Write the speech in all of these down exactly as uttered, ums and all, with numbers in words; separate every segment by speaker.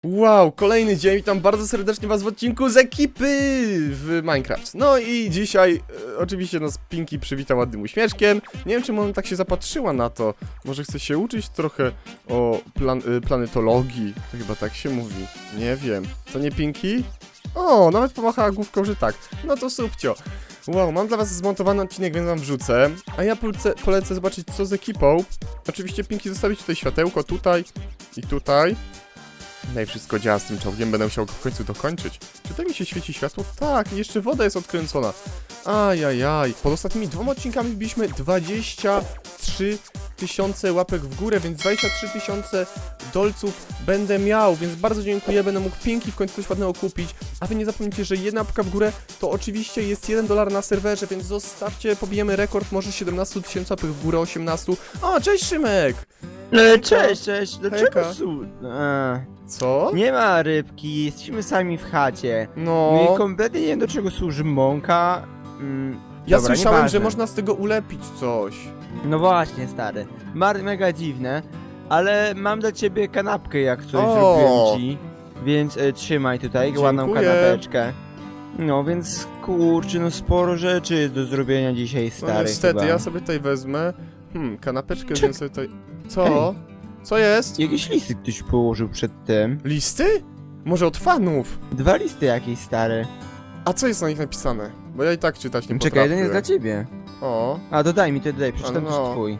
Speaker 1: Wow, kolejny dzień, witam bardzo serdecznie was w odcinku z ekipy w Minecraft. No i dzisiaj e, oczywiście nas Pinki przywitał ładnym uśmieszkiem. Nie wiem, czemu ona tak się zapatrzyła na to. Może chce się uczyć trochę o plan y, planetologii. To chyba tak się mówi. Nie wiem. Co nie, Pinki? O, nawet pomachała główką, że tak. No to subcio. Wow, mam dla was zmontowany odcinek, więc wam wrzucę. A ja polecę, polecę zobaczyć, co z ekipą. Oczywiście, Pinki, zostawić tutaj światełko, tutaj i tutaj. No i wszystko działa z tym czołgiem, będę musiał go w końcu dokończyć. Czy tak mi się świeci światło? Tak, i jeszcze woda jest odkręcona. Ajajaj. Pod ostatnimi dwoma odcinkami wbiliśmy dwadzieścia trzy tysiące łapek w górę, więc dwadzieścia trzy tysiące dolców będę miał, więc bardzo dziękuję, będę mógł Pinki w końcu coś ładnego kupić. A wy nie zapomnijcie, że jedna łapka w górę to oczywiście jest jeden dolar na serwerze, więc zostawcie, pobijemy rekord, może siedemnaście tysięcy łapek w górę, osiemnaście. O, cześć Szymek!
Speaker 2: E, cześć, cześć, dlaczego
Speaker 1: Hejka.
Speaker 2: su... E,
Speaker 1: Co?
Speaker 2: nie ma rybki, jesteśmy sami w chacie.
Speaker 1: No...
Speaker 2: No i kompletnie nie wiem, do czego służy mąka. Mm,
Speaker 1: Ja
Speaker 2: dobra,
Speaker 1: słyszałem,
Speaker 2: nieważne.
Speaker 1: że można z tego ulepić coś.
Speaker 2: No właśnie, stary. Mar mega dziwne, ale mam dla ciebie kanapkę, jak coś
Speaker 1: O!
Speaker 2: zrobiłem ci. Więc e, trzymaj tutaj ładną
Speaker 1: Dziękuję.
Speaker 2: kanapeczkę. No więc kurczę, no sporo rzeczy jest do zrobienia dzisiaj,
Speaker 1: No
Speaker 2: stary.
Speaker 1: niestety,
Speaker 2: chyba.
Speaker 1: ja sobie tutaj wezmę. Hmm, kanapeczkę
Speaker 2: Czek-
Speaker 1: wziąłem sobie tutaj. Co? Co jest?
Speaker 2: Jakieś listy ktoś położył przed tym.
Speaker 1: Listy? Może od fanów?
Speaker 2: Dwa listy jakieś, stary.
Speaker 1: A co jest na nich napisane? Bo ja i tak czytać nie
Speaker 2: Czekaj,
Speaker 1: potrafię.
Speaker 2: jeden jest dla ciebie.
Speaker 1: O,
Speaker 2: A, dodaj mi, to dodaj, przeczytam
Speaker 1: no.
Speaker 2: też twój.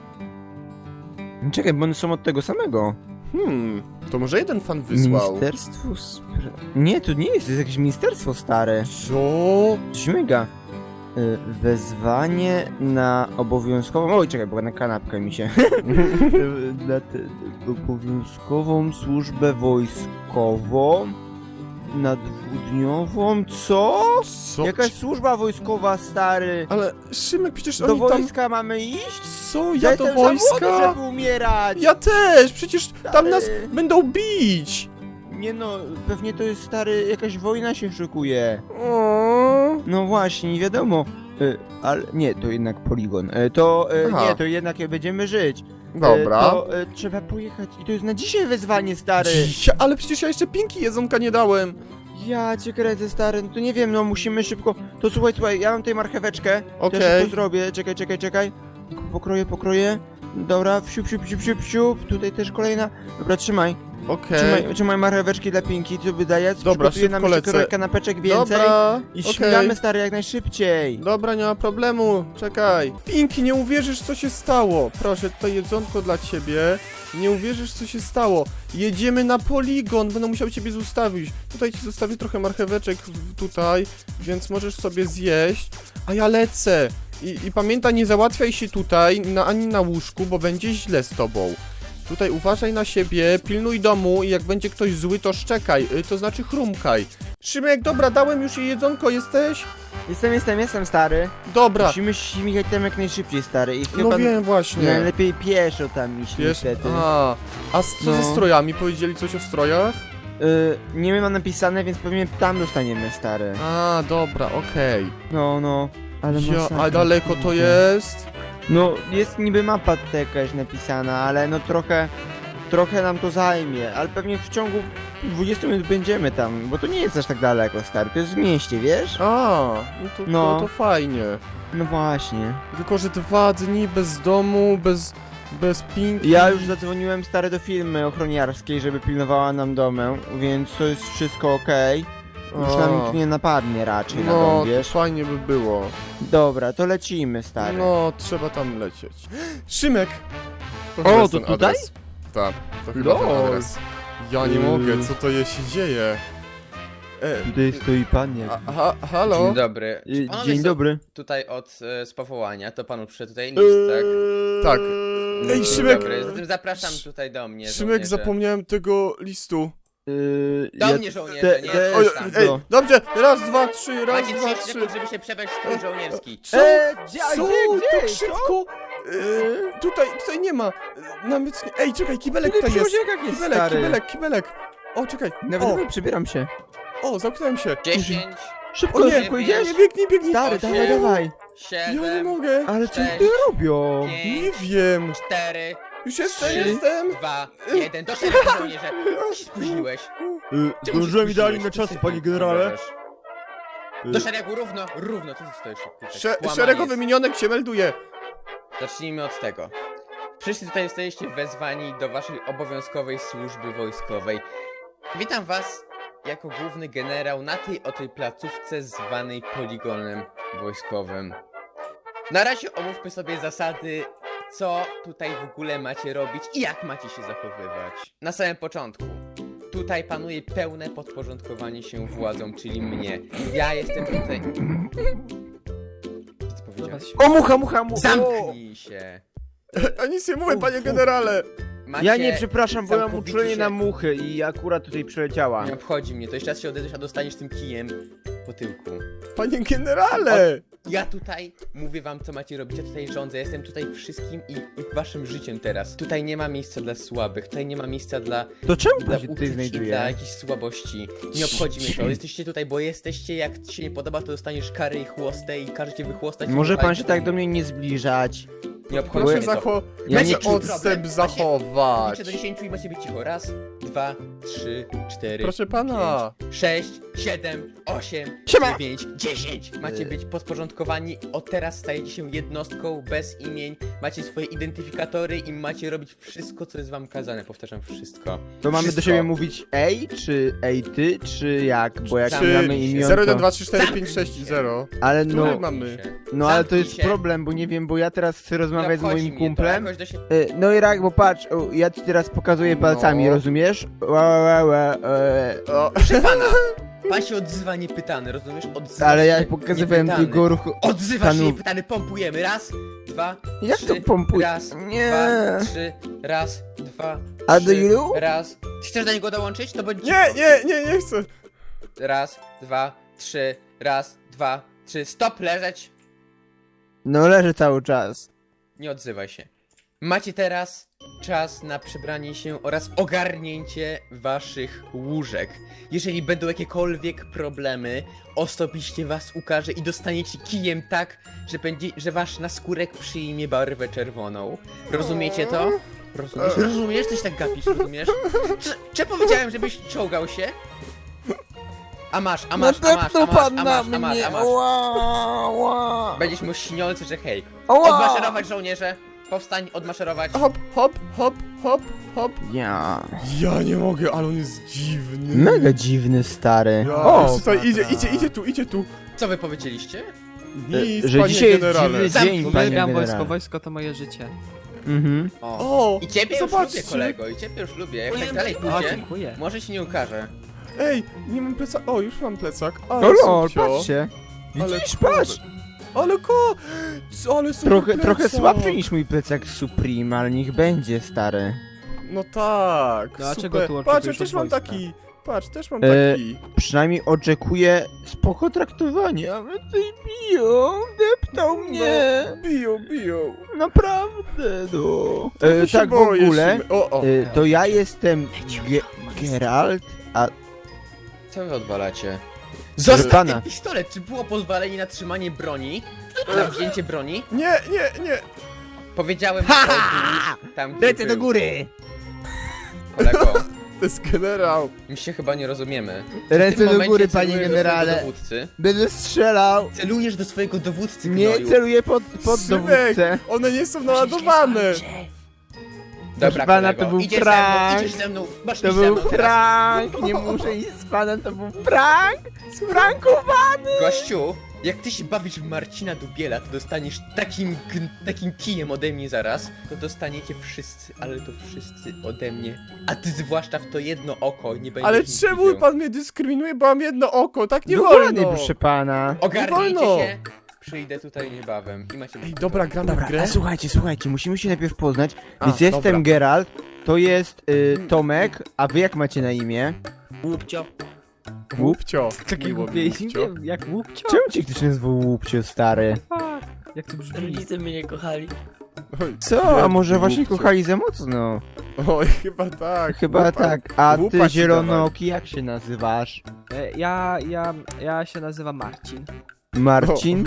Speaker 2: Czekaj, bo one są od tego samego.
Speaker 1: hmm, to może jeden fan wysłał.
Speaker 2: Ministerstwo Spra... Nie, to nie jest, to jest jakieś ministerstwo stare.
Speaker 1: Co?
Speaker 2: Śmiga. Y, Wezwanie na obowiązkową... Oj, czekaj, bo na kanapkę mi się... Y, na te, obowiązkową służbę wojskową... Na dwudniową... Co?
Speaker 1: Co?
Speaker 2: Jakaś służba wojskowa, stary.
Speaker 1: Ale Szymek, przecież
Speaker 2: Do
Speaker 1: oni tam...
Speaker 2: wojska mamy iść?
Speaker 1: Co?
Speaker 2: Ja
Speaker 1: Ja do
Speaker 2: jestem za młody,
Speaker 1: wojska?
Speaker 2: żeby umierać.
Speaker 1: Ja też! Przecież tam nas
Speaker 2: Stary.
Speaker 1: będą bić!
Speaker 2: Nie no, pewnie to jest, stary, jakaś wojna się szykuje.
Speaker 1: O.
Speaker 2: No właśnie, nie wiadomo. Y, ale nie, to jednak poligon. Y, to y,
Speaker 1: Aha.
Speaker 2: nie, to jednak będziemy żyć. Y,
Speaker 1: Dobra.
Speaker 2: to y, trzeba pojechać. I to jest na dzisiaj wezwanie, stary.
Speaker 1: Ja, ale przecież ja jeszcze Pinki jedzonka nie dałem.
Speaker 2: Ja cię kręcę, stary. No to nie wiem, no musimy szybko. To słuchaj, słuchaj, ja mam tutaj marcheweczkę.
Speaker 1: Okej.
Speaker 2: To ja szybko zrobię. Czekaj, czekaj, czekaj. Pokroję, pokroję. Dobra, wsiup, siup, siup, siup, siup. Tutaj też kolejna. Dobra, trzymaj.
Speaker 1: Okej.
Speaker 2: Trzymaj, trzymaj marcheweczki dla Pinki, co wydaje.
Speaker 1: Dobra,
Speaker 2: Przygotuję nam
Speaker 1: szybko
Speaker 2: jeszcze
Speaker 1: lecę.
Speaker 2: kanapeczek więcej.
Speaker 1: Dobra,
Speaker 2: I
Speaker 1: okej.
Speaker 2: śmigamy, stary, jak najszybciej.
Speaker 1: Dobra, nie ma problemu, czekaj. Pinki, nie uwierzysz, co się stało. Proszę, tutaj jedzonko dla ciebie. Nie uwierzysz, co się stało. Jedziemy na poligon, będę musiał ciebie zostawić. Tutaj ci zostawię trochę marcheweczek w- tutaj, więc możesz sobie zjeść. A ja lecę. I, i pamiętaj, nie załatwiaj się tutaj, na, ani na łóżku, bo będzie źle z tobą. Tutaj uważaj na siebie, pilnuj domu i jak będzie ktoś zły, to szczekaj, y, to znaczy chrumkaj. Szymek, dobra, dałem już jej jedzonko, jesteś?
Speaker 2: Jestem, jestem, jestem, stary.
Speaker 1: Dobra.
Speaker 2: Musimy śmigać tam jak najszybciej, stary. I chyba
Speaker 1: No wiem właśnie.
Speaker 2: najlepiej pieszo tam iść,
Speaker 1: Wiesz,
Speaker 2: niestety.
Speaker 1: a, a z- co
Speaker 2: No.
Speaker 1: ze strojami? Powiedzieli coś o strojach?
Speaker 2: Y, nie wiem, mam napisane, więc pewnie tam dostaniemy, stary.
Speaker 1: A, dobra, okej.
Speaker 2: No, no. Ale
Speaker 1: Ja,
Speaker 2: masakra,
Speaker 1: a daleko to
Speaker 2: kurde.
Speaker 1: jest?
Speaker 2: No, jest niby mapa tutaj jakaś napisana, ale no trochę... Trochę nam to zajmie, ale pewnie w ciągu dwudziestu minut będziemy tam, bo to nie jest aż tak daleko, stary. To jest w mieście, wiesz?
Speaker 1: A, no to,
Speaker 2: No.
Speaker 1: To, to fajnie.
Speaker 2: No właśnie.
Speaker 1: Tylko, że dwa dni bez domu, bez, bez Pinki.
Speaker 2: Ja już zadzwoniłem, stary, do firmy ochroniarskiej, żeby pilnowała nam domę, więc to jest wszystko okej. Już nam nikt nie napadnie raczej na
Speaker 1: No,
Speaker 2: dom,
Speaker 1: to
Speaker 2: wiesz?
Speaker 1: fajnie by było.
Speaker 2: Dobra, to lecimy, stary.
Speaker 1: No, trzeba tam lecieć. Szymek! To
Speaker 2: O,
Speaker 1: chyba jest
Speaker 2: to
Speaker 1: ten
Speaker 2: tutaj?
Speaker 1: adres. Tak, to chyba ten
Speaker 2: Lol.
Speaker 1: adres. Ja nie
Speaker 2: Yy.
Speaker 1: mogę, co to je się dzieje? E,
Speaker 2: Tutaj stoi pan jak...
Speaker 1: a, ha, halo?
Speaker 3: Dzień dobry. Czy
Speaker 2: Y,
Speaker 3: panowie
Speaker 2: Dzień
Speaker 3: są
Speaker 2: dobry.
Speaker 3: Tutaj od e, z powołania, to panu przyszedł tutaj list, tak?
Speaker 1: Tak. Ej,
Speaker 3: Dzień
Speaker 1: Szymek!
Speaker 3: Dobry, zatem zapraszam tutaj do mnie,
Speaker 1: Szymek,
Speaker 3: żołnierze.
Speaker 1: zapomniałem tego listu.
Speaker 2: Yy,
Speaker 3: Do
Speaker 2: ja-
Speaker 3: mnie żołnierze,
Speaker 2: te-
Speaker 3: nie
Speaker 2: te-
Speaker 1: Oj,
Speaker 3: tam.
Speaker 1: ej,
Speaker 2: no.
Speaker 1: dobrze, raz, dwa, trzy, raz,
Speaker 3: Macie
Speaker 1: dwa,
Speaker 3: trzydzieści
Speaker 1: trzy.
Speaker 3: sekund, żeby się przebrać w strój żołnierski.
Speaker 1: Co?
Speaker 2: Eee, gdzie-
Speaker 1: Co?
Speaker 2: gdzie-
Speaker 1: Tak
Speaker 2: gdzie?
Speaker 1: szybko? E, tutaj, tutaj nie ma. E, Nawet nie. Ej, czekaj, kibelek
Speaker 2: Tutaj
Speaker 1: tutaj
Speaker 2: przy
Speaker 1: jest.
Speaker 2: łoziekach jest,
Speaker 1: Kibelek,
Speaker 2: stary.
Speaker 1: kibelek, kibelek. O, czekaj.
Speaker 2: Nawet
Speaker 1: O,
Speaker 2: dawaj, przybieram się.
Speaker 1: o, zamknąłem się.
Speaker 3: dziesięć,
Speaker 2: Szybko,
Speaker 1: O nie,
Speaker 2: szybko idziesz?
Speaker 1: Nie, biegnij, biegnij.
Speaker 2: Stary,
Speaker 3: Osiem.
Speaker 2: dawaj, dawaj.
Speaker 1: Ja nie
Speaker 3: siedem,
Speaker 1: mogę.
Speaker 2: Ale co
Speaker 3: Cześć.
Speaker 2: ty robią?
Speaker 1: Nie
Speaker 3: pięć,
Speaker 1: wiem.
Speaker 3: cztery,
Speaker 1: Już jestem,
Speaker 3: Trzy.
Speaker 1: jestem!
Speaker 3: Dwa, jeden, do szeregu żołnierze! Ty się spóźniłeś.
Speaker 2: Y,
Speaker 3: Czemu się
Speaker 2: Zdążyłem idealnie
Speaker 3: spóźniłeś?
Speaker 2: na
Speaker 3: Co
Speaker 2: czas,
Speaker 3: ty
Speaker 2: panie
Speaker 3: tu
Speaker 2: generale.
Speaker 3: gadasz? Do szeregu, równo, równo, co ty stoisz? Tutaj?
Speaker 1: Sze
Speaker 3: Kłamanie
Speaker 1: szeregowy
Speaker 3: jest.
Speaker 1: minionek się melduje.
Speaker 3: Zacznijmy od tego. Wszyscy tutaj jesteście wezwani do waszej obowiązkowej służby wojskowej. Witam was jako główny generał na tej oto placówce zwanej poligonem wojskowym. Na razie omówmy sobie zasady, co tutaj w ogóle macie robić i jak macie się zachowywać. Na samym początku. Tutaj panuje pełne podporządkowanie się władzą, czyli mnie. Ja jestem tutaj... Co ty powiedziałeś?
Speaker 2: O, mucha, mucha, mucha!
Speaker 3: Zamknij się!
Speaker 1: A nic nie mówię, panie generale.
Speaker 3: Macie...
Speaker 2: Ja nie przepraszam, bo ja mam
Speaker 3: całkowicie
Speaker 2: uczulenie
Speaker 3: się-
Speaker 2: na muchy i akurat tutaj przeleciała.
Speaker 3: Nie obchodzi mnie, to jeszcze raz się odezwiesz, a dostaniesz tym kijem po tyłku.
Speaker 1: Panie generale.
Speaker 3: Ja tutaj mówię wam, co macie robić, ja tutaj rządzę, jestem tutaj wszystkim i, i waszym życiem teraz. Tutaj nie ma miejsca dla słabych, tutaj nie ma miejsca dla,
Speaker 2: To czemu
Speaker 3: dla
Speaker 2: pan się
Speaker 3: uczuć
Speaker 2: tutaj
Speaker 3: i dla
Speaker 2: znajduje?
Speaker 3: jakichś słabości. Nie obchodzi mnie to, jesteście tutaj, bo jesteście, jak ci się nie podoba, to dostaniesz kary i chłostę i każecie wychłostać. i
Speaker 2: Może pan
Speaker 3: wypalić
Speaker 2: się
Speaker 3: do
Speaker 2: tak
Speaker 3: domu.
Speaker 2: do mnie nie zbliżać.
Speaker 3: Nie obchodzi
Speaker 1: Proszę
Speaker 3: mnie to.
Speaker 1: zacho...
Speaker 2: Ja
Speaker 1: Proszę
Speaker 2: nie czuję
Speaker 1: odstęp
Speaker 3: problem.
Speaker 1: zachować.
Speaker 3: Liczę do dziesięciu i macie być cicho. Raz, dwa, trzy, cztery,
Speaker 1: Proszę pana.
Speaker 3: pięć, sześć, siedem, osiem,
Speaker 2: Siema!
Speaker 3: dziewięć, dziesięć. Macie być podporządkowani. Od teraz stajecie się jednostką bez imień. Macie swoje identyfikatory i macie robić wszystko, co jest wam kazane. Powtarzam, wszystko.
Speaker 2: To mamy do
Speaker 3: Wszystko.
Speaker 2: siebie mówić ej, czy ej ty, czy jak? Bo jak
Speaker 3: Czy
Speaker 2: mamy
Speaker 3: się.
Speaker 2: imię,
Speaker 1: zero jeden
Speaker 2: to...
Speaker 1: dwa trzy cztery pięć sześć zero.
Speaker 2: Ale
Speaker 1: Który
Speaker 2: no,
Speaker 1: mamy?
Speaker 2: no ale to
Speaker 3: Zamknij
Speaker 2: jest
Speaker 3: się.
Speaker 2: problem, bo nie wiem, bo ja teraz chcę
Speaker 3: Nie
Speaker 2: rozmawiać z
Speaker 3: obchodzi
Speaker 2: moim
Speaker 3: mnie to,
Speaker 2: kumplem.
Speaker 3: jakoś do się...
Speaker 2: Y, No i rak, bo patrz, o, ja ci teraz pokazuję palcami,
Speaker 1: No.
Speaker 2: rozumiesz? Ła, ła, ła, e,
Speaker 1: O,
Speaker 3: Proszę pana, pan się odzywa niepytany, rozumiesz? Odzywa
Speaker 2: Ale
Speaker 3: się
Speaker 2: ja pokazywałem
Speaker 3: niepytany.
Speaker 2: tylko ruchu.
Speaker 3: Odzywa się
Speaker 2: panu-
Speaker 3: niepytany, pompujemy. Raz, dwa,
Speaker 2: Jak
Speaker 3: trzy,
Speaker 2: to pompuje?
Speaker 3: Raz,
Speaker 2: Nie.
Speaker 3: dwa, trzy, raz, dwa,
Speaker 2: A
Speaker 3: trzy,
Speaker 2: do ilu?
Speaker 3: raz. Chcesz do niego dołączyć? To bądź
Speaker 1: nie, nie, nie, nie chcę.
Speaker 3: Raz, dwa, trzy, raz, dwa, trzy. Stop, leżeć.
Speaker 2: No leży cały czas.
Speaker 3: Nie odzywaj się. Macie teraz czas na przebranie się oraz ogarnięcie waszych łóżek. Jeżeli będą jakiekolwiek problemy, osobiście was ukażę i dostaniecie kijem tak, że będzie, że wasz naskórek przyjmie barwę czerwoną. Rozumiecie to? Rozumiesz? Rozumiesz? Coś tak gapisz, rozumiesz? Czy, czy powiedziałem, żebyś czołgał się? A masz, a masz, a masz, a masz, a masz, a masz, a masz.
Speaker 2: Ła, ła.
Speaker 3: Będziesz mu śniący, że hej.
Speaker 2: Ała.
Speaker 3: Odmaszerować żołnierze. Powstań, odmaszerować.
Speaker 1: Hop, hop, hop, hop, hop.
Speaker 2: Ja.
Speaker 1: Ja nie mogę, ale on jest dziwny.
Speaker 2: Mega dziwny, stary.
Speaker 1: Ja,
Speaker 2: O,
Speaker 1: tutaj idzie, idzie, idzie tu, idzie tu.
Speaker 3: Co wy powiedzieliście?
Speaker 1: Nic,
Speaker 2: że
Speaker 1: panie
Speaker 2: dzisiaj jest
Speaker 1: generale.
Speaker 2: dziwny
Speaker 3: Zamknij.
Speaker 2: dzień, panie
Speaker 4: Uwielbiam
Speaker 2: generale.
Speaker 4: wojsko, wojsko to moje życie.
Speaker 2: Mhm.
Speaker 3: O.
Speaker 1: O,
Speaker 3: I ciebie już
Speaker 1: zobaczcie.
Speaker 3: lubię, kolego, i ciebie już lubię. Jak tak dalej
Speaker 4: O,
Speaker 3: pójdzie,
Speaker 4: dziękuję.
Speaker 3: może się nie ukaże.
Speaker 1: Ej, nie mam plecaka. O, już mam plecak. Ale
Speaker 2: O lol,
Speaker 1: subcio.
Speaker 2: patrzcie.
Speaker 1: Ale
Speaker 2: Widzisz,
Speaker 1: kurde.
Speaker 2: patrz.
Speaker 1: Ale ko... Co, ale super
Speaker 2: Trochę,
Speaker 1: plecak.
Speaker 2: trochę słabszy niż mój plecak Supreme, ale niech będzie, stary.
Speaker 1: No tak,
Speaker 4: No, a
Speaker 1: super.
Speaker 4: czego tu
Speaker 1: Patrz, ja
Speaker 4: oczekujesz
Speaker 1: też
Speaker 4: od
Speaker 1: mam
Speaker 4: wojska?
Speaker 1: taki. Patrz, też mam
Speaker 2: E,
Speaker 1: taki.
Speaker 2: Przynajmniej oczekuję spoko traktowania, ale tutaj biją, deptał mnie.
Speaker 1: No, biją, biją.
Speaker 2: Naprawdę, no.
Speaker 1: Trochę
Speaker 2: E,
Speaker 1: się
Speaker 2: tak w
Speaker 1: boję,
Speaker 2: ogóle,
Speaker 1: Szymy- O, o.
Speaker 2: e, to ja jestem Ge Geralt, a
Speaker 3: Co wy odwalacie? Zostaw
Speaker 2: pana.
Speaker 3: ten pistolet! Czy było pozwolenie na trzymanie broni? Na wzięcie broni?
Speaker 1: Nie, nie, nie.
Speaker 3: Powiedziałem
Speaker 2: Ha,
Speaker 3: to
Speaker 2: ha,
Speaker 3: był tam, gdzie
Speaker 2: Ręce do
Speaker 3: był.
Speaker 2: góry!
Speaker 3: Kolego,
Speaker 1: To jest generał.
Speaker 3: my się chyba nie rozumiemy. W
Speaker 2: Ręce
Speaker 3: tym
Speaker 2: do
Speaker 3: momencie
Speaker 2: góry,
Speaker 3: celujesz
Speaker 2: panie
Speaker 3: do swojego
Speaker 2: generale.
Speaker 3: dowódcy.
Speaker 2: Będę strzelał.
Speaker 3: Celujesz do swojego dowódcy,
Speaker 2: Nie
Speaker 3: gnoju.
Speaker 2: celuję pod, pod
Speaker 1: Szymek,
Speaker 2: dowódcę.
Speaker 1: one nie są naładowane.
Speaker 3: Dobra,
Speaker 2: pana,
Speaker 3: kolego,
Speaker 2: to był
Speaker 3: idziesz
Speaker 2: prank.
Speaker 3: ze mną, idziesz ze mną, masz
Speaker 2: To
Speaker 3: iść ze
Speaker 2: był
Speaker 3: mną teraz.
Speaker 2: prank! Nie muszę iść z panem, to był prank! Sprankowany!
Speaker 3: Gościu, jak ty się bawisz w Marcina Dubiela, to dostaniesz takim, gn- takim kijem ode mnie zaraz, to dostaniecie wszyscy, ale to wszyscy ode mnie. A ty zwłaszcza w to jedno oko nie będziesz
Speaker 1: Ale
Speaker 3: nic
Speaker 1: czemu
Speaker 3: widział.
Speaker 1: pan mnie dyskryminuje, bo mam jedno oko, tak nie
Speaker 2: Dokładnie,
Speaker 1: wolno.
Speaker 2: proszę pana.
Speaker 3: Ogarnijcie
Speaker 1: wolno.
Speaker 3: się, przyjdę tutaj niebawem i macie...
Speaker 1: Ej, dobra, gramy
Speaker 2: Dobra,
Speaker 1: w grę.
Speaker 2: a słuchajcie, słuchajcie, musimy się najpierw poznać.
Speaker 1: A,
Speaker 2: Więc jestem
Speaker 1: dobra.
Speaker 2: Geralt, to jest y, Tomek, a wy jak macie na imię?
Speaker 4: Łupcio.
Speaker 1: Łupcio.
Speaker 4: Takie
Speaker 1: Miło
Speaker 4: głupie
Speaker 1: mi,
Speaker 4: imię,
Speaker 1: Łupcio.
Speaker 4: jak łupcio?
Speaker 2: Czemu cię ktoś nazwał Łupcio, stary?
Speaker 4: Fuck, jak to brzmi?
Speaker 5: Rodzice mnie nie kochali.
Speaker 1: Oj,
Speaker 2: Co? A może właśnie
Speaker 1: Łupcio.
Speaker 2: kochali za mocno?
Speaker 1: Oj, chyba tak.
Speaker 2: Chyba
Speaker 1: Łupa-
Speaker 2: tak. A
Speaker 1: łupa
Speaker 2: ty
Speaker 1: ci
Speaker 2: zielonooki, jak się nazywasz?
Speaker 4: E, Ja, ja, ja się nazywam Marcin.
Speaker 2: Marcin?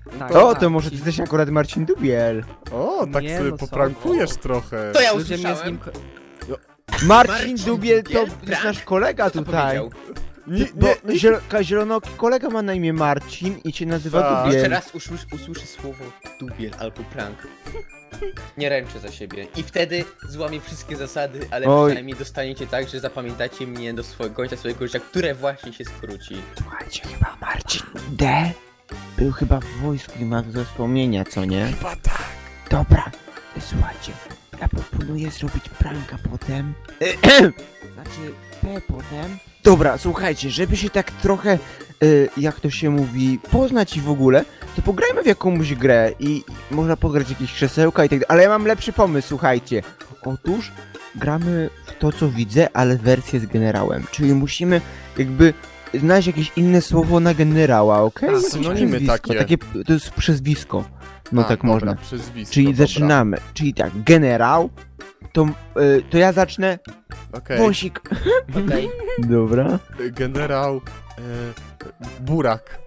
Speaker 4: Tak,
Speaker 2: O,
Speaker 4: tak.
Speaker 2: to może ty jesteś akurat Marcin Dubiel.
Speaker 1: O, tak
Speaker 4: Nie,
Speaker 1: sobie
Speaker 4: no co?
Speaker 1: poprankujesz trochę.
Speaker 3: To ja
Speaker 4: Ludzie mnie z nim...
Speaker 3: usłyszałem.
Speaker 2: Marcin
Speaker 3: Marcin
Speaker 2: Dubiel to
Speaker 3: Dubiel?
Speaker 2: jest nasz
Speaker 3: Prank?
Speaker 2: kolega
Speaker 3: Kto to
Speaker 2: tutaj.
Speaker 3: powiedział?
Speaker 1: Nie,
Speaker 2: Bo
Speaker 1: nie, nie.
Speaker 2: zielo, zielonoki kolega ma na imię Marcin i się nazywa
Speaker 1: Tak.
Speaker 3: Jeszcze
Speaker 2: Dubiel.
Speaker 3: raz usłysz, usłyszę słowo dubiel albo prank. Nie ręczę za siebie. I wtedy złamię wszystkie zasady, ale
Speaker 2: Oj.
Speaker 3: przynajmniej dostaniecie tak, że zapamiętacie mnie do swojego końca swojego życia, które właśnie się skróci.
Speaker 2: Słuchajcie, chyba Marcin D. był chyba w wojsku i ma do wspomnienia, co nie?
Speaker 1: Chyba tak.
Speaker 2: Dobra, słuchajcie, ja proponuję zrobić pranka potem. Znaczy, P potem. Dobra, słuchajcie, żeby się tak trochę, y, jak to się mówi, poznać i w ogóle, to pograjmy w jakąś grę i i można pograć jakieś krzesełka i tak dalej. Ale ja mam lepszy pomysł, słuchajcie. Otóż gramy w to, co widzę, ale wersję z generałem. Czyli musimy jakby znaleźć jakieś inne słowo na generała, okej?
Speaker 1: A,
Speaker 2: Jakieś
Speaker 1: synonimy
Speaker 2: przezwisko,
Speaker 1: takie.
Speaker 2: To jest przezwisko. No
Speaker 1: A,
Speaker 2: tak
Speaker 1: dobra,
Speaker 2: można.
Speaker 1: Przezwisko,
Speaker 2: Czyli
Speaker 1: dobra.
Speaker 2: zaczynamy. Czyli tak, generał. To, y, to ja zacznę.
Speaker 1: Okej.
Speaker 2: Wąsik.
Speaker 3: Okej.
Speaker 2: Dobra.
Speaker 1: Generał... E, Burak.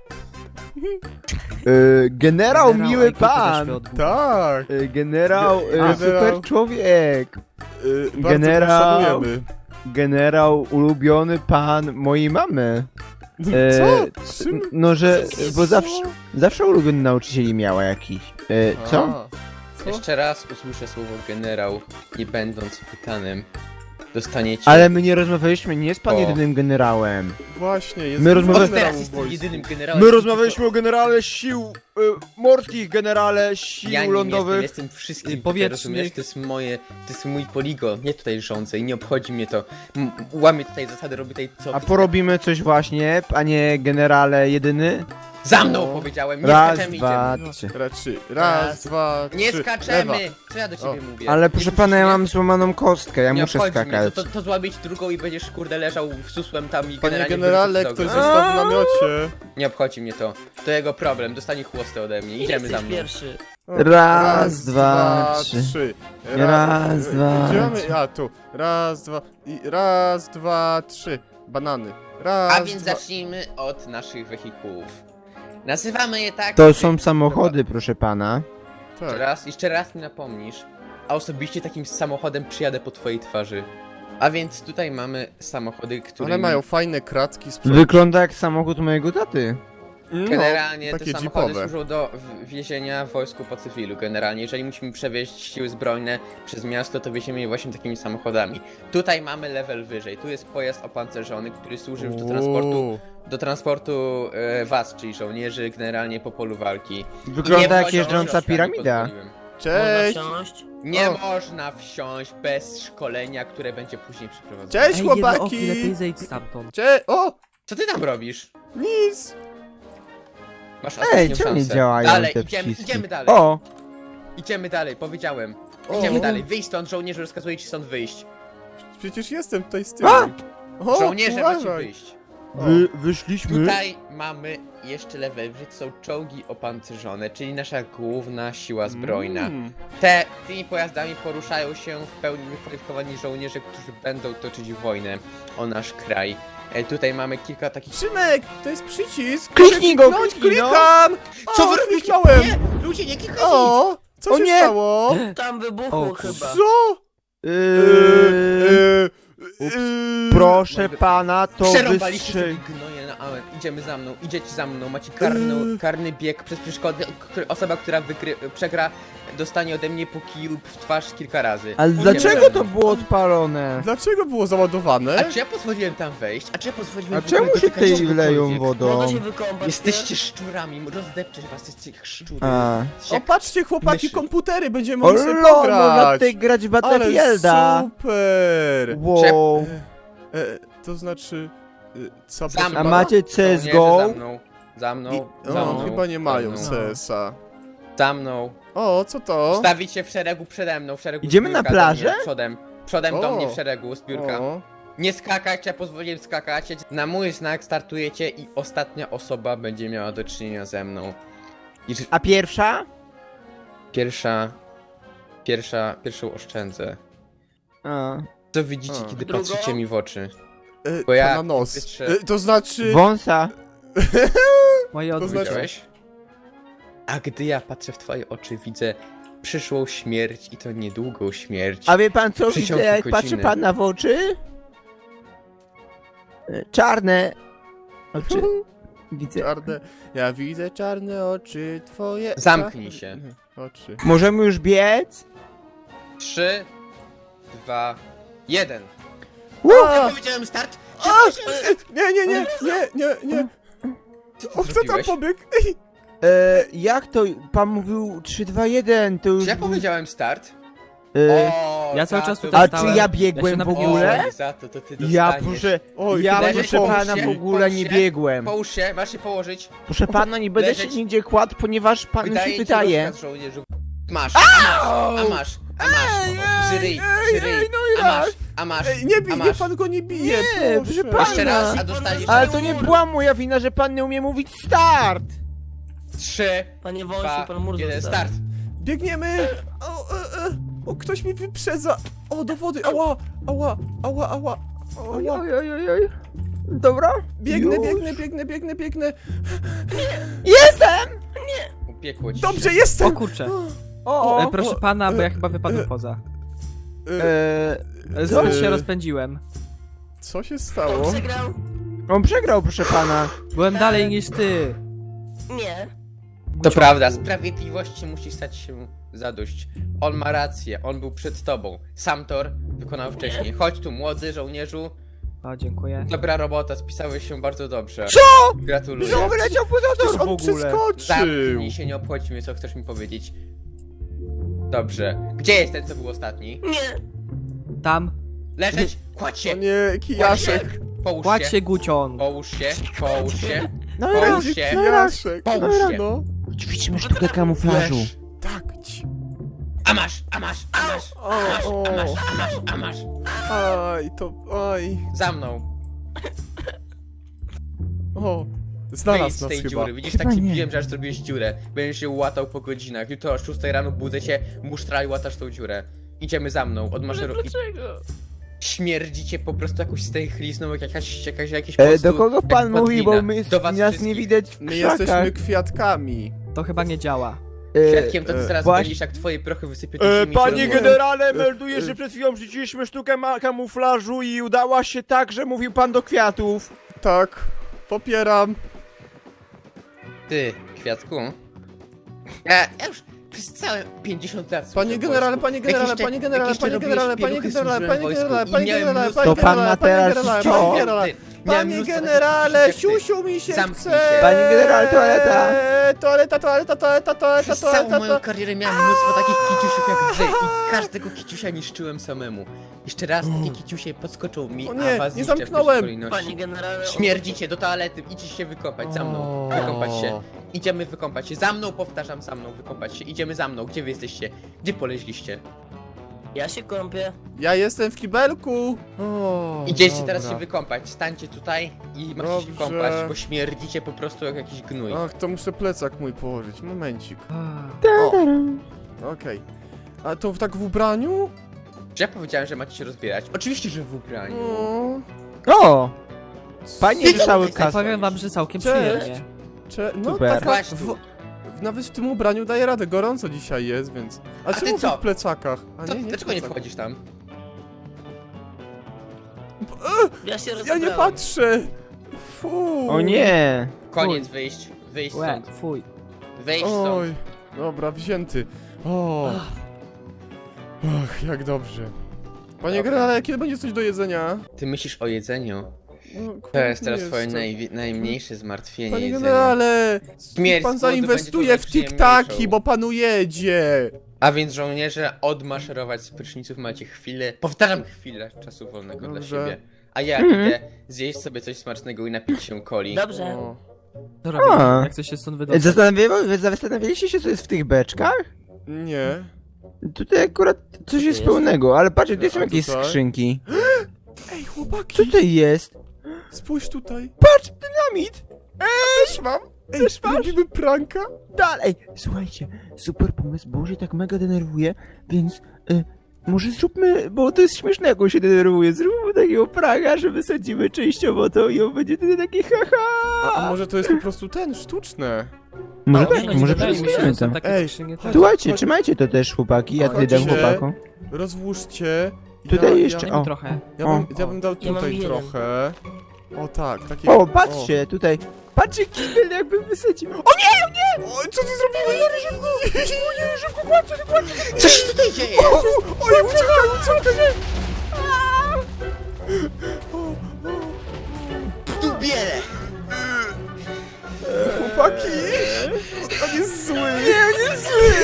Speaker 2: Y, generał, miły
Speaker 4: ej, kilka
Speaker 2: pan.
Speaker 4: doświadczeń od Buda.
Speaker 1: Tak.
Speaker 2: Y, generał, y,
Speaker 1: A,
Speaker 2: super
Speaker 1: generał.
Speaker 2: człowiek.
Speaker 1: Y, bardzo
Speaker 2: Generał.
Speaker 1: szanujemy.
Speaker 2: Generał, ulubiony pan mojej mamy. E,
Speaker 1: Co? Czym?
Speaker 2: No, że, bo
Speaker 1: Co?
Speaker 2: zawsze, zawsze ulubiony nauczycieli miała jakiś. E, co?
Speaker 1: A, co?
Speaker 3: Jeszcze raz usłyszę słowo generał, nie będąc pytanym. Dostaniecie...
Speaker 2: Ale my nie rozmawialiśmy, nie jest pan
Speaker 3: O.
Speaker 2: jedynym generałem.
Speaker 1: Właśnie, jest
Speaker 2: My rozmawiamy-
Speaker 3: Od teraz jestem jedynym generałem.
Speaker 2: My rozmawialiśmy o generale sił y, morskich, generale sił
Speaker 3: Ja nim
Speaker 2: lądowych.
Speaker 3: jestem, jestem wszystkim
Speaker 4: I
Speaker 3: tutaj,
Speaker 4: powietrznych.
Speaker 3: rozumiesz? To jest moje, to jest mój poligon, nie tutaj rządzę i nie obchodzi mnie to. M łamię tutaj zasady, robię tutaj co
Speaker 2: A
Speaker 3: chcę.
Speaker 2: porobimy coś właśnie, panie generale jedyny?
Speaker 3: Za mną
Speaker 1: No.
Speaker 3: powiedziałem, nie
Speaker 2: Raz,
Speaker 3: skaczemy,
Speaker 2: dwa,
Speaker 3: idziemy.
Speaker 2: trzy.
Speaker 1: Raczej. Raz,
Speaker 3: Raz.
Speaker 1: dwa, trzy.
Speaker 3: Nie skaczemy!
Speaker 1: Lewa.
Speaker 3: Co ja do ciebie
Speaker 1: O.
Speaker 3: mówię?
Speaker 2: Ale
Speaker 3: Nie
Speaker 2: proszę
Speaker 3: słyszysz
Speaker 2: pana, ja
Speaker 3: mnie?
Speaker 2: mam złamaną kostkę, ja
Speaker 3: Nie
Speaker 2: muszę
Speaker 3: obchodzi
Speaker 2: skakać.
Speaker 3: Mnie. To, to, to złabić drugą i będziesz kurde leżał w susłem tam i
Speaker 1: Panie
Speaker 3: generalnie
Speaker 1: generale,
Speaker 3: wyrzucić
Speaker 1: ktoś
Speaker 3: drogę.
Speaker 1: został w namiocie.
Speaker 3: Nie obchodzi mnie to. To jego problem, dostanie chłostę ode mnie. Idziemy za mną.
Speaker 4: pierwszy.
Speaker 1: O,
Speaker 2: Raz, dwa, trzy.
Speaker 1: Ra-
Speaker 2: Raz,
Speaker 1: e,
Speaker 2: dwa,
Speaker 1: Idziemy,
Speaker 2: trzy.
Speaker 1: a tu. Raz, dwa, i raz, dwa, trzy. Banany. Raz,
Speaker 3: A więc
Speaker 1: dwa.
Speaker 3: zacznijmy od naszych wehikułów. Nazywamy je tak...
Speaker 2: To są samochody, proszę pana.
Speaker 3: Jeszcze
Speaker 1: Tak.
Speaker 3: raz, jeszcze raz mi napomnisz, a osobiście takim samochodem przyjadę po twojej twarzy. A więc tutaj mamy samochody, które
Speaker 1: One mają fajne kratki z przodu.
Speaker 2: Wygląda jak samochód mojego taty.
Speaker 1: No,
Speaker 3: generalnie te
Speaker 1: takie
Speaker 3: samochody
Speaker 1: jeepowe.
Speaker 3: służą do w- wiezienia w wojsku po cywilu. Generalnie, jeżeli musimy przewieźć siły zbrojne przez miasto, to wieziemy je właśnie takimi samochodami. Tutaj mamy level wyżej, tu jest pojazd opancerzony, który służy już do transportu,
Speaker 1: Uuu.
Speaker 3: do transportu e, was, czyli żołnierzy, generalnie po polu walki. I nie
Speaker 2: Wygląda jak
Speaker 3: wchodzi
Speaker 2: jeżdżąca
Speaker 3: książkami,
Speaker 2: piramida.
Speaker 3: pozwoliłem.
Speaker 1: Cześć!
Speaker 3: Nie
Speaker 1: O.
Speaker 3: można wsiąść bez szkolenia, które będzie później przeprowadzone.
Speaker 1: Cześć
Speaker 4: Ej, jedno
Speaker 1: chłopaki!
Speaker 4: oki, lepiej zejdź stamtąd.
Speaker 1: Cześć! O!
Speaker 3: Co ty tam robisz?
Speaker 1: Nic!
Speaker 3: Masz
Speaker 2: Ej,
Speaker 3: ostatnią
Speaker 2: czemu nie
Speaker 3: szansę.
Speaker 2: działają
Speaker 3: Dalej,
Speaker 2: te
Speaker 3: idziemy,
Speaker 2: przyciski?
Speaker 3: idziemy dalej.
Speaker 2: O!
Speaker 3: Idziemy dalej, powiedziałem.
Speaker 1: O.
Speaker 3: Idziemy dalej, wyjść stąd, żołnierze rozkazuje ci stąd wyjść.
Speaker 1: Przecież jestem tutaj z tyłu.
Speaker 2: A!
Speaker 1: O,
Speaker 3: Żołnierze macie
Speaker 1: uważaj.
Speaker 3: wyjść.
Speaker 1: O.
Speaker 2: Wy, wyszliśmy?
Speaker 3: Tutaj mamy jeszcze level wyżej, to są czołgi opancerzone, czyli nasza główna siła zbrojna.
Speaker 1: Mm.
Speaker 3: Te, tymi pojazdami poruszają się w pełni wykwalifikowani żołnierze, którzy będą toczyć wojnę o nasz kraj. E, tutaj mamy kilka takich...
Speaker 1: Szymek, to jest przycisk!
Speaker 2: Kliknij go,
Speaker 1: Kliknąć,
Speaker 2: kliknij, no.
Speaker 1: Klikam!
Speaker 3: Co
Speaker 1: O,
Speaker 3: wy robicie?
Speaker 1: kliknąłem!
Speaker 3: Nie! Ludzie, nie klikajcie!
Speaker 1: O! Co
Speaker 2: O
Speaker 1: się
Speaker 2: nie!
Speaker 1: stało?
Speaker 5: Tam wybuchło
Speaker 4: O,
Speaker 5: chyba.
Speaker 1: Co?
Speaker 2: Yy,
Speaker 1: Yy,
Speaker 2: Ups.
Speaker 1: yy,
Speaker 2: proszę pana, to
Speaker 3: Przerąbaliście
Speaker 2: wystrzy...
Speaker 3: sobie gnoje na amen. Idziemy za mną, idziecie za mną, macie karny, karny bieg przez przeszkody. Który, osoba, która wykry, przegra, dostanie ode mnie po kiju w twarz kilka razy.
Speaker 2: Ale
Speaker 3: Idziemy
Speaker 2: dlaczego
Speaker 3: za
Speaker 2: to
Speaker 3: mną.
Speaker 2: było odpalone?
Speaker 1: Dlaczego było załadowane?
Speaker 3: A czy ja pozwoliłem tam wejść? A czy ja pozwoliłem
Speaker 2: A
Speaker 3: w ogóle
Speaker 2: czemu się
Speaker 3: dotykać
Speaker 2: tutaj leją
Speaker 3: czegokolwiek?
Speaker 2: wodą?
Speaker 5: Można się wykąpać.
Speaker 3: Jesteście szczurami, rozdepczę was, jesteście jak szczury.
Speaker 2: A.
Speaker 3: Jesteście
Speaker 1: O,
Speaker 3: jak...
Speaker 1: patrzcie chłopaki,
Speaker 3: myszy.
Speaker 1: komputery, będziemy
Speaker 2: O
Speaker 1: mogli sobie
Speaker 2: lol, można
Speaker 1: pograć!
Speaker 2: tutaj grać w
Speaker 1: Ale
Speaker 2: Battlefielda!
Speaker 1: super!
Speaker 2: Wow.
Speaker 1: E, to znaczy... E, co
Speaker 3: Za mną.
Speaker 2: A macie C S G O?
Speaker 3: Żołnierze Za mną, za mną,
Speaker 1: I,
Speaker 3: za
Speaker 1: o,
Speaker 3: mną.
Speaker 1: chyba nie mają
Speaker 3: za mną.
Speaker 1: C S a.
Speaker 3: Za mną.
Speaker 1: O, co to?
Speaker 3: Stawić się w szeregu przede mną, w szeregu
Speaker 2: Idziemy
Speaker 3: zbiórka
Speaker 2: na
Speaker 3: do
Speaker 2: plażę?
Speaker 3: mnie, Przodem. Przodem do
Speaker 1: O.
Speaker 3: mnie w szeregu zbiórka.
Speaker 1: O,
Speaker 3: Nie skakać, ja pozwoliłem skakać. Na mój znak startujecie i ostatnia osoba będzie miała do czynienia ze mną. I że-
Speaker 2: A pierwsza?
Speaker 3: pierwsza... Pierwsza... Pierwszą oszczędzę.
Speaker 2: A.
Speaker 3: Co widzicie,
Speaker 1: A.
Speaker 3: kiedy
Speaker 5: Drugą?
Speaker 3: patrzycie mi w oczy?
Speaker 1: e,
Speaker 3: Bo ja
Speaker 1: to na nos.
Speaker 3: wytrze-
Speaker 1: E, to znaczy...
Speaker 2: Wąsa.
Speaker 4: Moje
Speaker 1: To znaczy-
Speaker 4: odbicie.
Speaker 3: Widziałeś? A gdy ja patrzę w twoje oczy, widzę przyszłą śmierć i to niedługą śmierć.
Speaker 2: A wie pan co widzę,
Speaker 3: Przeciąg
Speaker 2: jak
Speaker 3: godziny.
Speaker 2: patrzy pan na w oczy? E, Czarne oczy. Widzę.
Speaker 1: Czarne, ja widzę czarne oczy twoje.
Speaker 3: Zamknij się.
Speaker 1: Oczy.
Speaker 2: Możemy już biec?
Speaker 3: Trzy, dwa, jeden.
Speaker 1: A!
Speaker 3: Ja powiedziałem start! Ja
Speaker 1: A!
Speaker 3: powiedziałem start!
Speaker 1: Nie, nie, nie, nie, nie, nie.
Speaker 3: Co ty
Speaker 1: O, kto tam
Speaker 3: zrobiłeś?
Speaker 1: pobiegł? Ej,
Speaker 2: E, jak to? Pan mówił trzy, dwa, jeden, to już...
Speaker 3: Czy ja
Speaker 2: był-
Speaker 3: powiedziałem start?
Speaker 2: E,
Speaker 3: O,
Speaker 4: Ja cały
Speaker 3: za
Speaker 4: czas
Speaker 3: to-
Speaker 4: tutaj
Speaker 2: a
Speaker 4: stałem.
Speaker 2: czy ja
Speaker 4: Ja
Speaker 2: biegłem
Speaker 4: się
Speaker 2: w ogóle?
Speaker 3: Oj, za to, to ty
Speaker 2: Ja
Speaker 3: dostaniesz.
Speaker 2: proszę,
Speaker 1: Oj,
Speaker 2: ja
Speaker 1: chyba
Speaker 3: leżeć,
Speaker 2: proszę
Speaker 3: połóż
Speaker 2: pana
Speaker 3: się,
Speaker 2: w ogóle
Speaker 3: połóż
Speaker 2: nie
Speaker 3: się.
Speaker 2: biegłem.
Speaker 3: Połóż się, masz się położyć.
Speaker 2: Proszę pana, nie będę
Speaker 3: Leżeć.
Speaker 2: się nigdzie kładł, ponieważ panu
Speaker 3: Wydaje
Speaker 2: się
Speaker 3: ci
Speaker 2: wydaje.
Speaker 3: rozkaz żołnierzu. Masz, a masz, a masz, a masz. Żyryj, żyryj,
Speaker 2: no i
Speaker 3: a masz,
Speaker 2: raz.
Speaker 3: a masz,
Speaker 1: Ej, nie bij,
Speaker 3: a
Speaker 1: nie,
Speaker 3: masz.
Speaker 1: pan go nie bije,
Speaker 2: Nie,
Speaker 1: proszę.
Speaker 2: proszę pana.
Speaker 3: Jeszcze raz, a dostaniesz...
Speaker 2: Ale to nie była moja wina, że pan nie umie mówić start!
Speaker 3: Trzy,
Speaker 5: Panie Wąsiu,
Speaker 3: dwa,
Speaker 5: pan mur
Speaker 3: jeden,
Speaker 5: został.
Speaker 3: start.
Speaker 1: Biegniemy! O, e, e. o, ktoś mi wyprzedza! O, do wody! Ała! Ała! Ała! Ała!
Speaker 2: Oj,
Speaker 1: Ała!
Speaker 2: oj, oj, oj, oj. Dobra?
Speaker 1: Biegnę,
Speaker 2: Już.
Speaker 1: biegnę, biegnę, biegnę, biegnę!
Speaker 2: Jestem!
Speaker 3: Upiekło ci
Speaker 1: Dobrze,
Speaker 3: się.
Speaker 1: jestem!
Speaker 4: O kurczę.
Speaker 2: O,
Speaker 4: E,
Speaker 2: o.
Speaker 4: proszę pana, bo ja chyba wypadłem
Speaker 1: e,
Speaker 4: poza.
Speaker 1: E,
Speaker 2: Eee,
Speaker 4: E, Zbyt
Speaker 1: e.
Speaker 4: się rozpędziłem.
Speaker 1: co się
Speaker 5: On
Speaker 1: stało?
Speaker 5: przegrał?
Speaker 2: on przegrał, proszę pana.
Speaker 4: Byłem dalej niż ty.
Speaker 5: Nie.
Speaker 3: To prawda, sprawiedliwości musi stać się zadość. On ma rację, on był przed tobą. Sam Thor wykonał wcześniej. Chodź tu, młody żołnierzu.
Speaker 4: O, dziękuję.
Speaker 3: Dobra robota, spisałeś się bardzo dobrze.
Speaker 2: Co?
Speaker 3: Gratuluję.
Speaker 2: Że on wyleciał poza
Speaker 1: Przecież
Speaker 2: tor w
Speaker 1: on
Speaker 2: ogóle.
Speaker 1: przeskoczył!
Speaker 3: Zamknij się, nie obchodzi mnie, co chcesz mi powiedzieć. Dobrze. Gdzie jest ten, co był ostatni?
Speaker 5: Nie.
Speaker 4: Tam.
Speaker 3: Leżeć, kładź
Speaker 1: O
Speaker 3: się,
Speaker 1: nie,
Speaker 3: kładź się,
Speaker 1: kijaszek!
Speaker 3: połóż
Speaker 4: Kładź
Speaker 3: się,
Speaker 4: się, Gucion.
Speaker 3: połóż się, połóż się,
Speaker 2: No i
Speaker 3: Połóż
Speaker 2: raz.
Speaker 3: się.
Speaker 1: Kijaszek!
Speaker 3: połóż się.
Speaker 1: No,
Speaker 2: Ćwiczmy sztukę kamuflażu.
Speaker 3: Leż.
Speaker 1: tak, ci.
Speaker 3: A masz, a masz, a masz,
Speaker 1: O,
Speaker 3: a masz,
Speaker 1: o.
Speaker 3: a masz, a masz, a masz.
Speaker 1: Aj, to, aj.
Speaker 3: Za mną.
Speaker 1: O,
Speaker 3: Wyjdź
Speaker 1: znalazł
Speaker 3: z
Speaker 1: nas
Speaker 3: tej
Speaker 1: chyba.
Speaker 3: dziury. Widzisz,
Speaker 2: Chyba
Speaker 3: tak ci
Speaker 2: nie.
Speaker 3: mówiłem, że aż zrobiłeś dziurę. Będziesz się łatał po godzinach. Jutro o szóstej rano budzę cię, musztra i łatasz tą dziurę. Idziemy za mną, odmaszeruj.
Speaker 5: Dlaczego?
Speaker 3: Śmierdzi cię po prostu jakąś stęchlizną, jak jakaś, jakaś, jakieś po
Speaker 2: E,
Speaker 3: prostu,
Speaker 2: do kogo pan
Speaker 3: jak
Speaker 2: mówi, bo
Speaker 3: padlina.
Speaker 2: my,
Speaker 3: Do was
Speaker 2: nas
Speaker 3: wszystkich.
Speaker 2: nie widać w
Speaker 1: My
Speaker 2: krzakach.
Speaker 1: jesteśmy kwiatkami.
Speaker 4: To chyba nie działa.
Speaker 2: E,
Speaker 3: Świadkiem to ty
Speaker 1: e,
Speaker 3: zaraz
Speaker 2: właśnie-
Speaker 3: będziesz, jak twoje prochy wysypią do
Speaker 2: E,
Speaker 3: ziemi.
Speaker 2: panie
Speaker 3: się
Speaker 2: generale,
Speaker 1: E,
Speaker 2: melduję,
Speaker 1: e.
Speaker 2: że przed chwilą rzuciliśmy sztukę ma- kamuflażu i udała się tak, że mówił pan do kwiatów.
Speaker 1: Tak, popieram.
Speaker 3: Ty, kwiatku. Ja, ja już przez całe pięćdziesiąt lat
Speaker 1: Panie
Speaker 3: służę w
Speaker 1: generale,
Speaker 3: wojsku.
Speaker 1: panie
Speaker 3: Jak
Speaker 1: generale,
Speaker 3: jeszcze-
Speaker 1: panie
Speaker 3: jak
Speaker 1: generale,
Speaker 3: jeszcze
Speaker 1: panie
Speaker 3: robiłeś
Speaker 1: generale, panie
Speaker 3: pieluchy,
Speaker 1: generale,
Speaker 3: służyłem
Speaker 1: panie
Speaker 3: w wojsku
Speaker 1: generale,
Speaker 3: i
Speaker 1: panie
Speaker 3: miałem
Speaker 1: generale,
Speaker 3: mnóstwo-
Speaker 1: panie
Speaker 2: To pan ma
Speaker 1: generale, panie
Speaker 2: teraz
Speaker 1: generale,
Speaker 2: co?
Speaker 1: panie generale.
Speaker 3: Ty, miałem
Speaker 1: Panie
Speaker 3: mnóstwo
Speaker 1: generale,
Speaker 3: takich kiciusiów jak ty.
Speaker 1: siusiu mi się
Speaker 3: Zamknij
Speaker 1: chce.
Speaker 3: się.
Speaker 2: Panie generale, toaleta.
Speaker 1: Toaleta, toaleta, toaleta, toaleta,
Speaker 3: Przez całą
Speaker 1: toaleta,
Speaker 3: moją
Speaker 1: to...
Speaker 3: karierę miałem mnóstwo takich kiciusiów jak wy i każdego kiciusia niszczyłem samemu. Jeszcze raz takie kiciusie podskoczą mi,
Speaker 1: O nie,
Speaker 3: a was
Speaker 1: nie
Speaker 3: zniszczę w
Speaker 1: zamknąłem.
Speaker 3: pierwszej kolejności.
Speaker 5: Panie generale...
Speaker 3: Śmierdzicie do toalety, idźcie się wykąpać, za mną, wykąpać się. Idziemy wykąpać się, za mną, powtarzam, za mną, wykąpać się. Idziemy za mną, gdzie wy jesteście? Gdzie poleźliście?
Speaker 5: Ja się kąpię.
Speaker 1: Ja jestem w kibelku. O,
Speaker 3: Idziecie
Speaker 1: dobra.
Speaker 3: teraz się wykąpać, stańcie tutaj i macie się
Speaker 1: Dobrze.
Speaker 3: kąpać, bo śmierdzicie po prostu jak jakiś gnój.
Speaker 1: Ach, to muszę plecak mój położyć, momencik.
Speaker 4: Ah.
Speaker 1: O, okej. A to w tak w ubraniu?
Speaker 3: Czy ja powiedziałem, że macie się rozbierać? Oczywiście, że w ubraniu.
Speaker 1: O,
Speaker 2: O! Panie
Speaker 3: Ty co
Speaker 2: cały
Speaker 3: tutaj
Speaker 2: kas...
Speaker 4: Powiem wam, że całkiem
Speaker 1: Cześć.
Speaker 4: przyjemnie.
Speaker 1: cze... no
Speaker 2: Super.
Speaker 1: taka...
Speaker 3: Właśnie
Speaker 1: W...
Speaker 3: tu.
Speaker 1: w- Nawet w tym ubraniu daje radę, gorąco dzisiaj jest, więc... A,
Speaker 3: A ty
Speaker 1: czemu
Speaker 3: co?
Speaker 1: w plecakach? A
Speaker 3: Co,
Speaker 1: nie, nie
Speaker 3: dlaczego nie
Speaker 1: plecak.
Speaker 3: wchodzisz tam?
Speaker 5: Ja się
Speaker 1: Ja
Speaker 5: rozebrałem.
Speaker 1: nie patrzę! Fu.
Speaker 2: O nie!
Speaker 3: Koniec, wyjść, wyjść
Speaker 4: Łe,
Speaker 3: stąd,
Speaker 4: fuj.
Speaker 3: wyjść stąd.
Speaker 1: Oj, dobra, wzięty. O. Ach, jak dobrze. Panie
Speaker 3: Dobra.
Speaker 1: generale, kiedy będzie coś do jedzenia?
Speaker 3: Ty myślisz o jedzeniu?
Speaker 1: No,
Speaker 3: To jest
Speaker 1: głodny
Speaker 3: teraz twoje
Speaker 1: jestem.
Speaker 3: najwi- najmniejsze zmartwienie,
Speaker 1: Panie
Speaker 3: jedzenie.
Speaker 1: generale,
Speaker 3: Śmierć
Speaker 1: pan
Speaker 3: z głodu
Speaker 1: zainwestuje
Speaker 3: będzie
Speaker 1: w
Speaker 3: tą
Speaker 1: tiktaki,
Speaker 3: najprzyjemniejszą.
Speaker 1: bo panu jedzie.
Speaker 3: A więc żołnierze, odmaszerować z pryszniców macie chwilę, powtarzam chwilę czasu wolnego
Speaker 1: Dobrze.
Speaker 3: dla siebie. A ja
Speaker 2: Mhm.
Speaker 3: idę zjeść sobie coś smacznego i napić się coli.
Speaker 5: Dobrze.
Speaker 1: O.
Speaker 4: Co robię?
Speaker 2: A.
Speaker 4: Jak coś się stąd
Speaker 2: E,
Speaker 4: wydostać?
Speaker 2: Zastanawiali, zastanawialiście się, co jest w tych beczkach?
Speaker 1: Nie.
Speaker 2: Tutaj akurat coś jest
Speaker 5: jest?
Speaker 2: pełnego, ale patrzcie, tu są
Speaker 1: A
Speaker 2: jakieś
Speaker 1: tutaj?
Speaker 2: skrzynki.
Speaker 1: Ej,
Speaker 2: Co
Speaker 1: chłopaki,
Speaker 2: tutaj jest?
Speaker 1: spójrz tutaj.
Speaker 2: Patrz, dynamit!
Speaker 1: Też mam. Ej, robimy pranka?
Speaker 2: Dalej! Słuchajcie, super pomysł, bo się tak mega denerwuje, więc y, może zróbmy, bo to jest śmieszne, jak on się denerwuje, zróbmy takiego pranka, że wysadzimy częściowo to i on będzie wtedy taki haha.
Speaker 1: A, a może to jest po prostu ten, sztuczne?
Speaker 2: Może
Speaker 5: A,
Speaker 2: tak,
Speaker 5: nie,
Speaker 2: może
Speaker 5: nie, nie,
Speaker 2: przeczytamy
Speaker 5: nie,
Speaker 2: to.
Speaker 4: Takie
Speaker 1: Ej,
Speaker 4: skrzynie też.
Speaker 2: Słuchajcie, trzymajcie to też, chłopaki, ja tutaj dam
Speaker 1: Chodźcie.
Speaker 2: chłopakom.
Speaker 1: Rozłóżcie.
Speaker 2: Tutaj
Speaker 1: ja,
Speaker 2: jeszcze,
Speaker 1: Ja,
Speaker 2: o.
Speaker 4: Trochę.
Speaker 1: ja,
Speaker 2: o.
Speaker 1: bym, ja bym dał
Speaker 5: Ja mam
Speaker 1: tutaj
Speaker 5: jeden.
Speaker 1: trochę. O tak, takie...
Speaker 2: O, patrzcie, tutaj. Patrzcie, kibel jakby wysadził. O nie, o nie!
Speaker 1: O, co ty zrobiłeś? O nie, szybko kładźcie, kładźcie!
Speaker 3: Co się tutaj dzieje?
Speaker 1: Oj, uciekaj, uciekaj!
Speaker 3: Tu bierę!
Speaker 1: Chłopaki! On jest zły! Nie, on jest zły!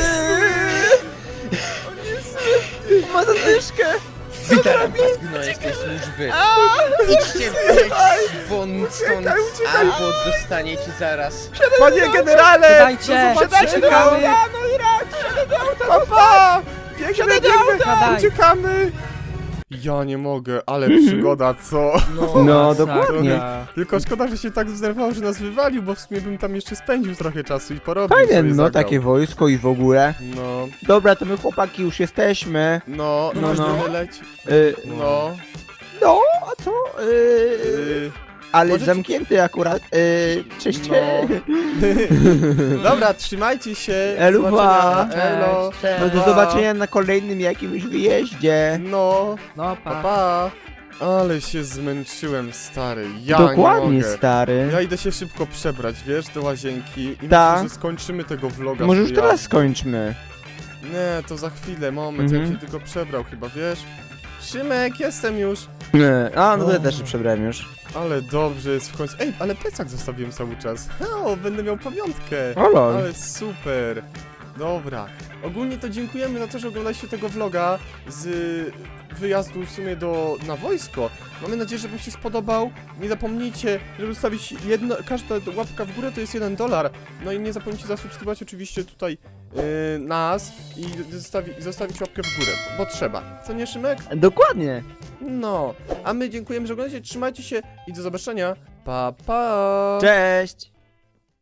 Speaker 1: On jest zły!
Speaker 2: Ma zadyszkę.
Speaker 3: Wydaram was gnoje z tej służby! Idźcie wreszcie won stąd,
Speaker 1: Uciekaj, uciekaj.
Speaker 3: albo dostaniecie zaraz...
Speaker 1: Panie generale!
Speaker 4: Dajcie!
Speaker 1: No zobaczcie,
Speaker 4: Czekamy!
Speaker 1: no i rak! Papa! Biegnę, biegnę!
Speaker 4: Siadaj.
Speaker 1: Uciekamy! Ja nie mogę, ale przygoda, co?
Speaker 2: No,
Speaker 4: masakra.
Speaker 2: dokładnie.
Speaker 1: Tylko szkoda, że się tak zdenerwował, że nas wywalił, bo w sumie bym tam jeszcze spędził trochę czasu i porobił
Speaker 2: Fajne,
Speaker 1: sobie
Speaker 2: no,
Speaker 1: zagrał.
Speaker 2: takie wojsko i w ogóle.
Speaker 1: No,
Speaker 2: Dobra, to my chłopaki już jesteśmy.
Speaker 1: no,
Speaker 2: No,
Speaker 1: no,
Speaker 2: no.
Speaker 1: no. leci.
Speaker 2: Y,
Speaker 1: No,
Speaker 2: no, a co? Y,
Speaker 1: y,
Speaker 2: ale
Speaker 1: możecie-
Speaker 2: zamknięty akurat. Y, cześć.
Speaker 1: no. Dobra, trzymajcie się.
Speaker 2: Eluwa.
Speaker 1: Do zobaczenia. Elo.
Speaker 5: Cześć.
Speaker 2: No do
Speaker 1: Pa.
Speaker 2: zobaczenia na kolejnym jakimś wyjeździe.
Speaker 1: No,
Speaker 4: No,
Speaker 1: pa,
Speaker 4: pa.
Speaker 1: pa. Ale się zmęczyłem, stary. Ja
Speaker 2: Dokładnie,
Speaker 1: nie mogę.
Speaker 2: stary.
Speaker 1: Ja idę się szybko przebrać, wiesz, do łazienki i
Speaker 2: Ta.
Speaker 1: myślę, że skończymy tego vloga.
Speaker 2: Może
Speaker 1: z
Speaker 2: już
Speaker 1: wyjazdu.
Speaker 2: teraz skończmy.
Speaker 1: Nie, to za chwilę, moment, ja
Speaker 2: Mhm.
Speaker 1: bym się tylko przebrał chyba, wiesz? Szymek, jestem już.
Speaker 2: Nie. A, no to ja
Speaker 1: O.
Speaker 2: też się przebrałem już.
Speaker 1: Ale dobrze jest w końcu. Ej, ale plecak zostawiłem cały czas. O, będę miał pamiątkę.
Speaker 2: O lol.
Speaker 1: Ale super. Dobra. Ogólnie to dziękujemy za to, że oglądaliście tego vloga z wyjazdu w sumie do, na wojsko. Mamy nadzieję, że wam się spodobał. Nie zapomnijcie, żeby zostawić jedno, każda łapka w górę to jest jeden dolar. No i nie zapomnijcie zasubskrybować oczywiście tutaj yy, nas i zostawi, zostawić łapkę w górę, bo trzeba. Co nie, Szymek?
Speaker 2: Dokładnie.
Speaker 1: No. A my dziękujemy, że oglądacie. Trzymajcie się i do zobaczenia. Pa, pa.
Speaker 2: Cześć.